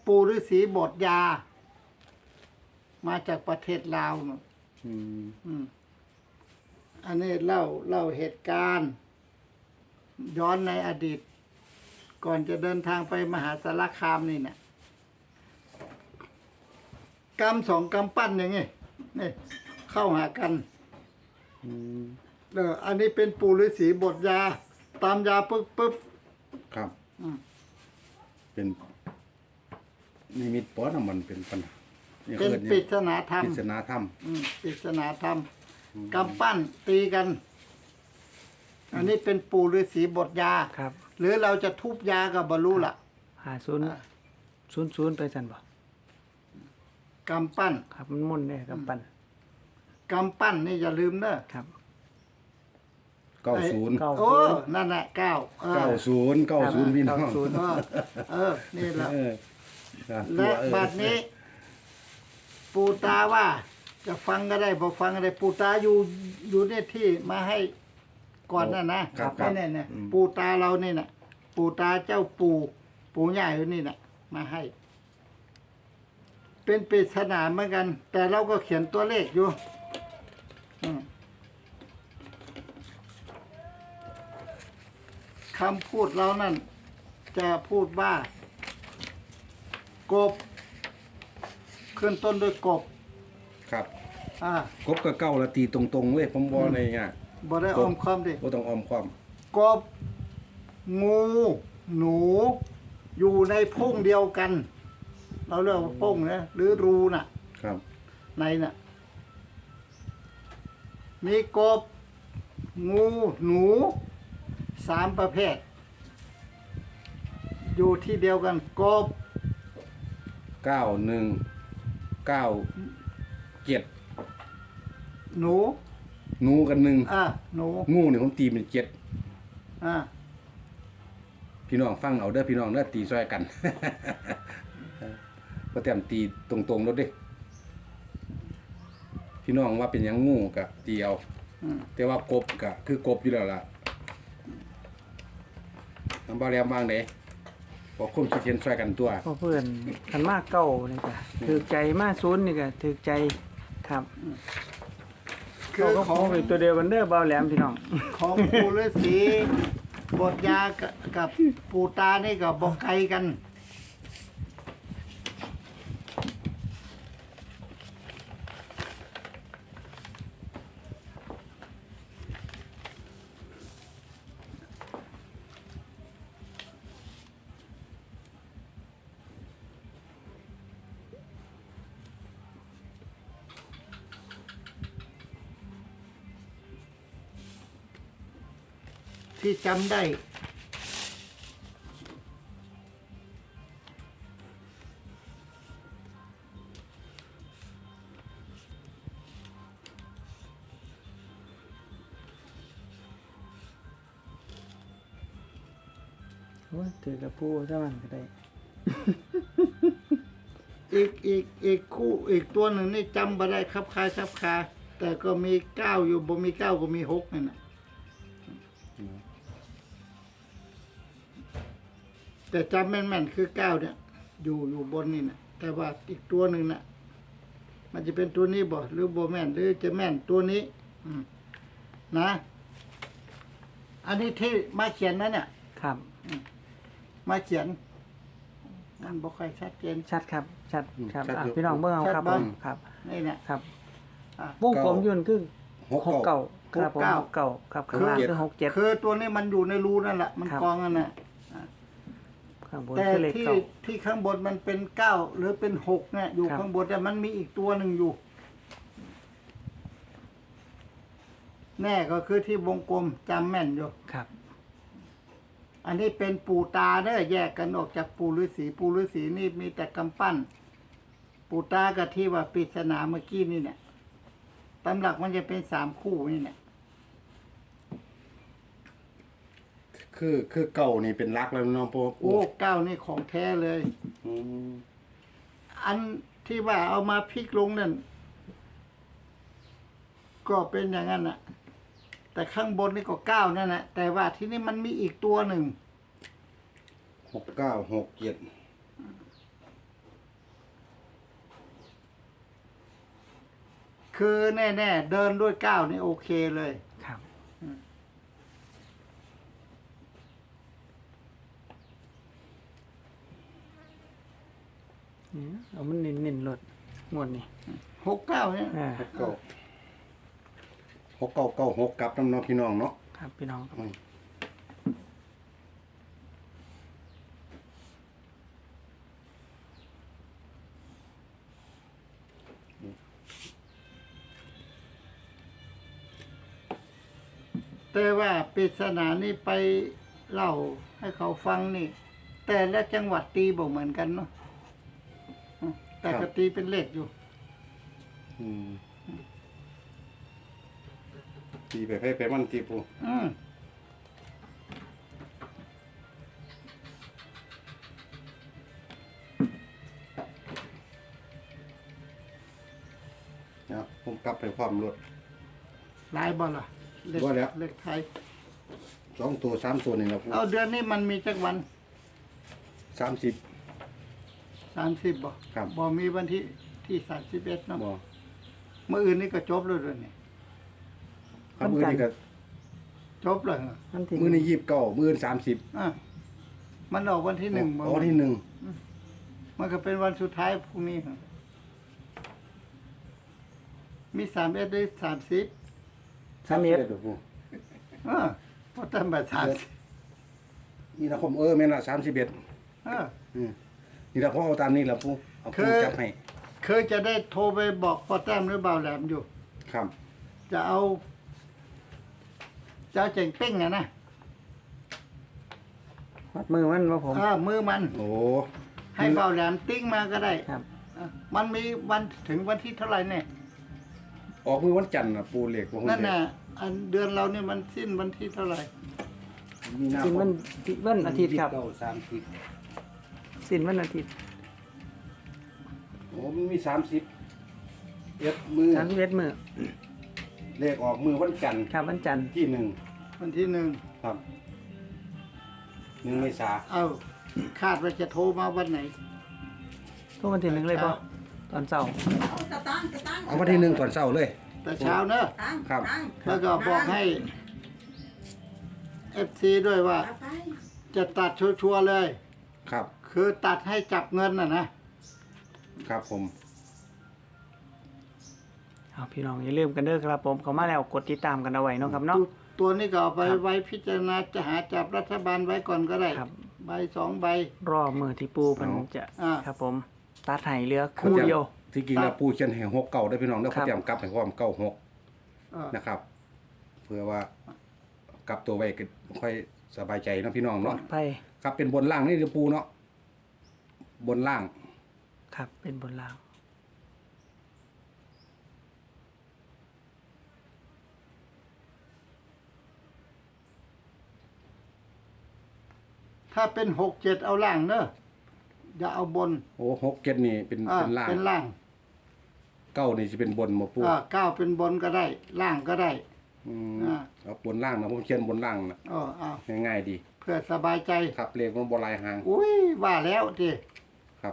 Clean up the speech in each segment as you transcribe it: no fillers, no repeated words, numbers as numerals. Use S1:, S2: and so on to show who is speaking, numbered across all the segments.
S1: ปู่ฤาษีบทยา มาจากประเทศลาวเนาะอันนี้เล่าเหตุการณ์ ย้อนในอดีต ก่อนจะเดินทางไปมหาสารคามนี่นะกำสองกำปั้นอย่างงี้นี่เข้าหากันอันนี้เป็นปู่ฤาษีบทยา ตามยาปึ๊บ
S2: ครับเป็นนิมิตปอนะมันเป็นปัญหา
S1: เป็นปริศนาธรรม
S2: ปริศนาธรรม
S1: ปริศนาธรรมกำปั้นตีกัน อันนี้เป็นปู่ฤาษีบทยา
S3: ครับ
S1: หรือเราจะทุบยากับบรรลุล่ะ
S3: 50 ไปสั่นบ่
S1: กำปั้น
S3: ครับมันมุ่นเนี่ยกำปั้น
S1: นี่อย่าลืมเด้อ
S3: ครับ
S2: 90
S1: โอ้นั่นแหละ
S2: 90พี่น้อง
S1: นี่แหละและบัดนี้ ปู่ตาว่า จะฟังก็ได้บ่ฟังก็ได้ปู่ตาอยู่ในที่มาให้ก่อนนั่นนะนี่ปู่ตาเรานี่น่ะปู่ตาเจ้าปู่ใหญ่อยู่นี่น่ะมาให้ เป็นปริศนาเหมือนกัน แต่เราก็เขียนตัวเลขอยู่คำพูดเรานั่นจะพูดว่ากบขึ้นต้นด้วยกบ
S2: ครับกบกับเก้าละตีตรงๆเลยผมบอกในเงี้ย
S1: บ่ได้อ้อมค้อมดิ
S2: บ่ต้องอ้อมค้อม
S1: กบงูหนูอยู่ในพงเดียวกันเราเรียกว่าพงนะหรือรูน่ะ
S2: ครับ
S1: ในน่ะมีกบงูหนู3ประเภทอยู่ที่เดียวกันกบ
S2: 91 97
S1: หนู
S2: กัน1
S1: หนู
S2: งูนี่ผมตีเป็น7
S1: อ่า
S2: พี่น้องฟังเอาเด้อพี่น้องเด้อตีซอยกันบ่แต้มตีตรงๆรถเด้พี่น้องว่าเป็นหยังงูก็ตีเอาแต่ว่ากบก็คือกบอยู่แล้วล่ะน้ำบ่าแหลมวางเด้บ่คุ้มคิดเห็นซอยกันตัว
S3: เพื่อนคันมากเก่านี่ก็ถูกใจมาก0นี่ก็ถูกใจครับคือของเป็นตัวเดียวกันเด้อบ่าวแหลมพี่น้อง
S1: ของปู่ฤาษีบทยากับปู่ตานี่ก็บ่ไกลกันที่จำได้
S3: ถือกระปูซะมันก็ได้
S1: อีกคู่อีกตัวหนึ่งนี่จำบ่ได้ครับคาแต่ก็มี9อยู่บ่มี9ก็มี6นั่นน่ะแต่จำแม่นคือ9เนี่ยอยู่บนนี่นะแต่ว่าอีกตัวหนึ่งน่ะมันจะเป็นตัวนี้บ่หรือบ่แม่นหรือจะแม่นตัวนี้นะอันนี้ที่มาเขียนนะเนี่ย
S3: ครับ
S1: มาเขียนมันบ่ค่อยชัดเจน
S3: ชัดครับชัดครับพี่น้องเบิ่งเอาครับครับ
S1: นี่เนี่ย
S3: ครับวงกลมอยู่นั่นคือ69ครับผม69ครับข้างล่างคือ67
S1: คือตัวนี้มันอยู่ในรูนั่นแหละมันกองนั่นน่ะแต่ที่ข้างบนมันเป็น9หรือเป็น6เนี่ยอยู่ข้างบนแต่มันมีอีกตัวหนึ่งอยู่แน่ก็คือที่วงกลมจำแม่นอยู่
S3: ครับ
S1: อันนี้เป็นปู่ตาเด้อแยกกันออกจากปู่ฤาษีนี่มีแต่กำปั้นปู่ตากับที่ว่าปริศนาเมื่อกี้นี่เนี่ยตำหลักมันจะเป็น3คู่นี่เนี่ย
S2: คือเก่านี่เป็นรักแล้วน้องพ่อ
S1: โอ้9นี่ของแท้เลยอันที่ว่าเอามาพลิกลงนั่นก็เป็นอย่างนั้นน่ะแต่ข้างบนนี่ก็9นั่นแหละแต่ว่าที่นี่มันมีอีกตัวหนึ่ง
S2: 69 67
S1: คือแน่ๆเดินด้วยก้าวนี่โอเคเลย
S3: ครับ เนี่ยเอามันเน้นๆรถงวดนี้
S1: 69เนี่ย
S3: อ่า
S2: 6 9 6 9 6กลับน้ำเน้องพี่น้องเนาะ
S3: ครับพี่น้อง
S2: อืม
S1: แต่ว่าปริศนานี่ไปเล่าให้เขาฟังนี่ แต่ละจังหวัดตีบอกเหมือนกันเนาะแต่ก็ตีเป็นเลขอยู่
S2: อืมตีไปให้ไปมันตีปู
S1: อืม
S2: นะผมกลับไปความรถ
S1: ลายบอลล่ะเลข
S2: ว่าแล้ว
S1: เลขไทย
S2: 2 ตัว 3 ตัวนี่แหละปู
S1: เอาเดือนนี้มันมีจักวัน
S2: 30
S1: 30บ่
S2: ครับ
S1: บ่มีวันที่31เนาะ
S2: บ่
S1: เมื่ออื่นนี่ก็จบแล้วเดือนนี้
S2: ครับมือนี่ก็
S1: จบเลยเหรอ
S3: มันที่
S2: มือนี่29มือนี่30
S1: อ่ะมันออกวันที่หนึ่งบ่
S2: อ๋อที่หนึ่ง
S1: มันก็เป็นวันสุดท้ายพรุ่งนี้เหรอมี31ได้30
S3: 31
S2: ปู
S1: พอตั้งแต่30
S2: มีนาคมแม่นละ31 นี่ละพ่อเอาตามนี้ละปูเอาปูจับให้
S1: เคยจะได้โทรไปบอกพ่อแต้มหรือเบาแหลมอยู่
S2: ครับ
S1: จะเอาเจ๋งเป้งอะนะ
S3: วัดมือมันว่าผม
S1: มือมัน
S2: โอ้
S1: ให้เบาแหลมติ้งมาก็ได้
S3: ครับ
S1: มันมีวันถึงวันที่เท่าไหร่เนี่ย
S2: ออกมือวันจันทร์น่ะปูเหล็กบ่ฮู้
S1: นั่น
S2: เด้
S1: น่ะอันเดือนเราเนี่ยมันสิ้นวันที่เท่าไหร่
S2: มีนา
S3: สิ้น
S2: ค
S3: วั
S2: ม
S3: นวันอาทิตย์ครับ
S2: 29
S3: สิ้นวันอาทิตย์
S2: 30โอ้มันมี30เอ็ดมือ
S3: 31มื้อ
S2: เลขออกมือวันจันทร์
S3: ครับวันจันทร์
S2: ที่หนึ่ง
S1: วันที่1
S2: ครับ1 เมษา
S1: เอาคาดว่าจะโทรมาวันไหน
S3: ทุกวันที่1เลยบ่ตอนเช้า
S4: กระตัง
S2: เอาวันที่หนึ่งก่อนเช้าเลย
S1: แต่เช้าเนอะ
S4: ตัง
S2: ครับ
S4: ตัง
S1: แล้วก็บอกให้ FC ด้วยว่า
S4: เอาไป
S1: จะตัดชัวร์ๆเลย
S2: ครับ
S1: คือตัดให้จับเงินน่ะนะ
S2: ครับผม
S3: เอาพี่น้องอย่าลืมกันเด้อครับผมเข้ามาแล้วกดติดตามกันเอาไว้เนาะครับเนาะ
S1: ตัวนี้ก็เอาไป
S3: ครับ
S1: ไว้พิจารณาจะหาจับรัฐบาลไว้ก่อนก็ได้
S3: ครับ
S1: ใบ2 ใบ
S3: รอมือที่ปูเพิ่นจะ
S1: อ่า
S3: ครับผมตัดให้เหลือคู่เดียว
S2: ที่จริงแล้วปูเขียนให้6 9ได้พี่น้องเด้อ
S3: ครั
S2: เขา
S3: บ
S2: เตรียมกลับให้พร้อม96
S1: เออ
S2: นะครับ เพื่อว่ากลับตัวไว้ก็ค่อยสบายใจเนาะพี่น้อง
S3: ปลอ
S2: เนาะ
S3: ดภัย
S2: ครับเป็นบนล่างนี่เด้อปูเนาะบนล่าง
S3: ครับเป็นบนล่าง
S1: ถ้าเป็น6 7เอาล่างเนอะอย่าเอาบน
S2: โอ้6 7นี่เป็นล่าง
S1: เป็นล่าง
S2: 9นี่สิเป็นบนบ่ปู
S1: 9เป็นบนก็ได้ ล่างก็ได้
S2: อืม
S1: อ่า
S2: เอาบนล่างนะผมเขียนบนล่างนะ
S1: เอา
S2: ง่ายๆดี
S1: เพื่อสบายใจ
S2: ครับเลขมันบ่หลายหาง
S1: อุ้ยว่าแล้วดิ
S2: ครับ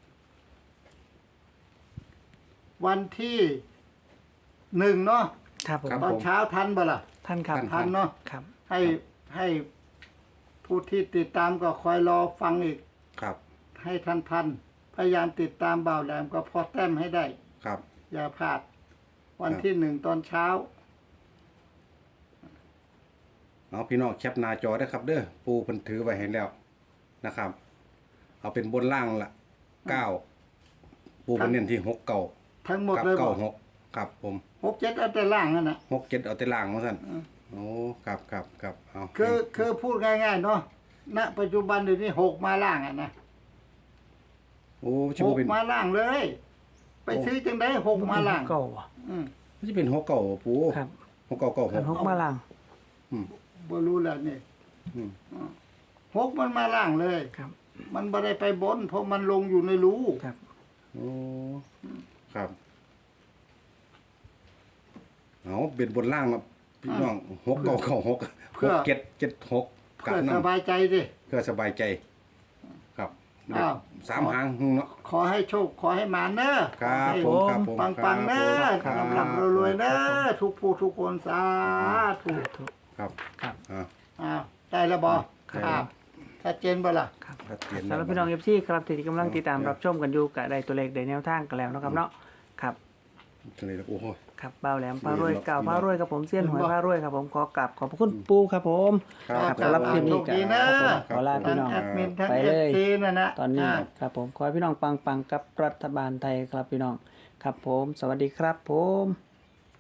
S1: วันที่1เนาะ
S3: ครับผม
S1: ตอนเช้าทันบ่ล่ะ
S3: ท่านครับ
S1: ทันเนาะ
S3: ครับ
S1: ให้ผู้ที่ติดตามก็คอยรอฟังอีก
S2: ครับ
S1: ให้ทันพยายามติดตามเบาแหลมก็พอแต้มให้ได้
S2: ครับ
S1: อย่าพลาด วัน
S2: ครับ
S1: ที่1ตอนเช้า
S2: เอาพี่น้องแคปหน้าจอได้ครับ เด้อปูเพิ่นถือไว้ให้แล้วนะครับ เอาเป็นบนล่างละ9ปูเพิ่นเน้นที่6 9
S1: ทั้งหมด
S2: กับ
S1: เลยบ่
S2: 96ครับผม
S1: 6 7เอาแต่ล่างนั่นน่ะ
S2: 6 7เอาแต่ล่างว่าซั่นโอ้ครับเอา
S1: คือพูดง่ายๆเนาะณปัจจุบันเดี๋ยวนี้6มาล่างอ่ะนะ
S2: โอ้สิบ่เป็น
S1: 6มาล่างเลย ไปซื้อจังได้6มาล่าง
S3: เก่าบ่
S1: อืม
S2: สิเป็น6 9บ่ปู
S3: ครับ
S2: 6 9 9
S3: คัน
S2: 6
S3: 6มาล่าง
S1: บ่รู้แล้วนี่
S2: อืม
S1: 6มันมาล่างเลย
S3: ครับ
S1: มันบ่ได้ไปบน เพราะมันลงอยู่ในรู
S3: ครับ
S2: โอ้ครับเอาเป็นบนล่างนะพี่น้อง6 9 9 6 6 7 7 6กลั
S1: เพื่
S2: บ
S1: อส
S2: นำ
S1: บายใจดิ
S2: เพื่อสบายใจ ครับ
S1: อ้าว
S2: สามหางเนาะ
S1: ขอให้โชคขอให้มาเนอะ
S2: ครับ
S1: ให้
S2: ผมครับผม
S1: ปังๆเนอะ
S2: ครับ
S1: ลำๆรวยๆเนอะทุกผู้ทุกคนสาธุ
S2: ครับ
S3: ครับ
S1: อ้าวได้แล้วบ่
S3: ครับ
S1: ครับชัดเจนบ่ล่ะ
S3: ครับ
S2: ชัดเจน
S3: สำหรับพี่น้อง FC ครับที่กำลังติดตามรับชมกันอยู่ก็ได้ตัวเลขได้แนวทางกันแล้วเนาะครับเนาะครับ
S2: เลยโอ้โห
S3: ครับเบาแหลมพารวย
S2: ดีเนาะ
S3: เก่าพารวยครับผมเสี้ยนหวย
S1: ดีเนาะ
S3: พารวยครับผมขอกราบขอบพระคุณปูครับผม
S2: ครับ
S3: สำหรับคลิปนี้
S1: โชคดีนะ
S3: ครับผมขอลาพี่
S1: ทั้ง
S3: น้อง
S1: แอดมินทั้ง
S3: ไป
S1: เอ
S3: เล
S1: ฟ
S3: ย
S1: ซีนั่นนะ
S3: ตอนนี้
S1: า
S3: ครับผมขอให้พี่น้องปังๆกับรัฐบาลไทยครับพี่น้องครับผมสวัสดีครับผม